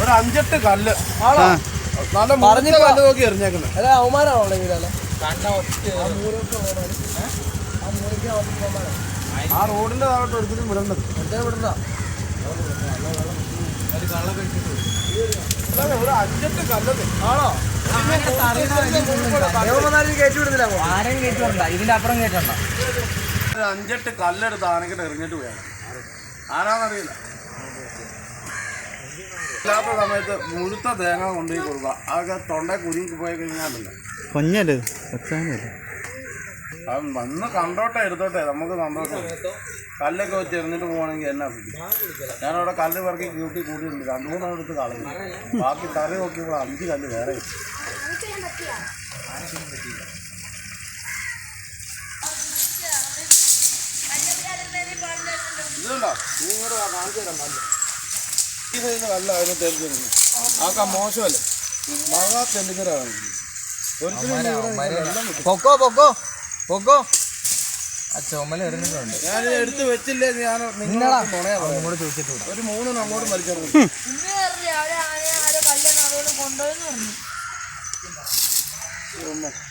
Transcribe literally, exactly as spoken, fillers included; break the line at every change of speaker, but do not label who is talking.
ഒരു അഞ്ചെട്ട് കല്ല് നല്ല പറഞ്ഞ കല്ല് നോക്കി എറിഞ്ഞേക്കുന്നത്. അല്ല അവമാനാണോ ഇതല്ലേ ആ റോഡിന്റെ താഴോട്ട് ഒരിക്കലും വിടേണ്ടത് വിടണ്ട. ഒരു അഞ്ചെട്ട് കല്ലത് ആണോ
ഇതിന്റെ അപ്പുറം കേട്ടണ്ട.
ഒരു അഞ്ചെട്ട് കല്ലെടുത്ത് ആനക്കിട്ട് എറിഞ്ഞിട്ട് പോയാണ്. ആരാന്നറിയില്ല. ഇല്ലാത്ത സമയത്ത് മുഴുത്ത തേങ്ങ കൊണ്ടുപോയി കൊടുക്കുക. അതൊക്കെ തൊണ്ട കുരുങ്ങി പോയി കഴിഞ്ഞാലല്ലോ
കൊഞ്ഞല്ലേ
അത് വന്ന് കണ്ടോട്ടെ എടുത്തോട്ടെ നമുക്ക് സന്തോഷം. കല്ലൊക്കെ വെച്ച് എറിഞ്ഞിട്ട് പോകണമെങ്കിൽ എന്നാ ഞാനവിടെ കല്ല് പറക്കി കൂട്ടി കൂട്ടിയിട്ടുണ്ട്. രണ്ടു മൂന്നെണ്ണം എടുത്ത് കളഞ്ഞു. ബാക്കി തറി നോക്കിയപ്പോൾ അഞ്ച് കല്ല് വേറെ ഇതുണ്ടോ നിങ്ങൾ കാണിച്ചു തരാം. കല്ല് ഈ സൈസ് കല്ല അതിന് തെളിഞ്ഞിരുന്നു. ആക്കാ മോശമല്ലേ മഴ തെളിഞ്ഞിരാണ്.
പൊക്കോ പൊക്കോ പൊക്കോ ചുമല എറിഞ്ഞിട്ടുണ്ട്.
ഞാൻ എടുത്ത് വെച്ചില്ലേ ഞാൻ നിങ്ങളോട് ചോദിച്ചിട്ട് ഒരു മൂന്നെണ്ണം അങ്ങോട്ട് വലിച്ചെറിഞ്ഞു.
കൊണ്ടുപോയെന്ന് പറഞ്ഞു.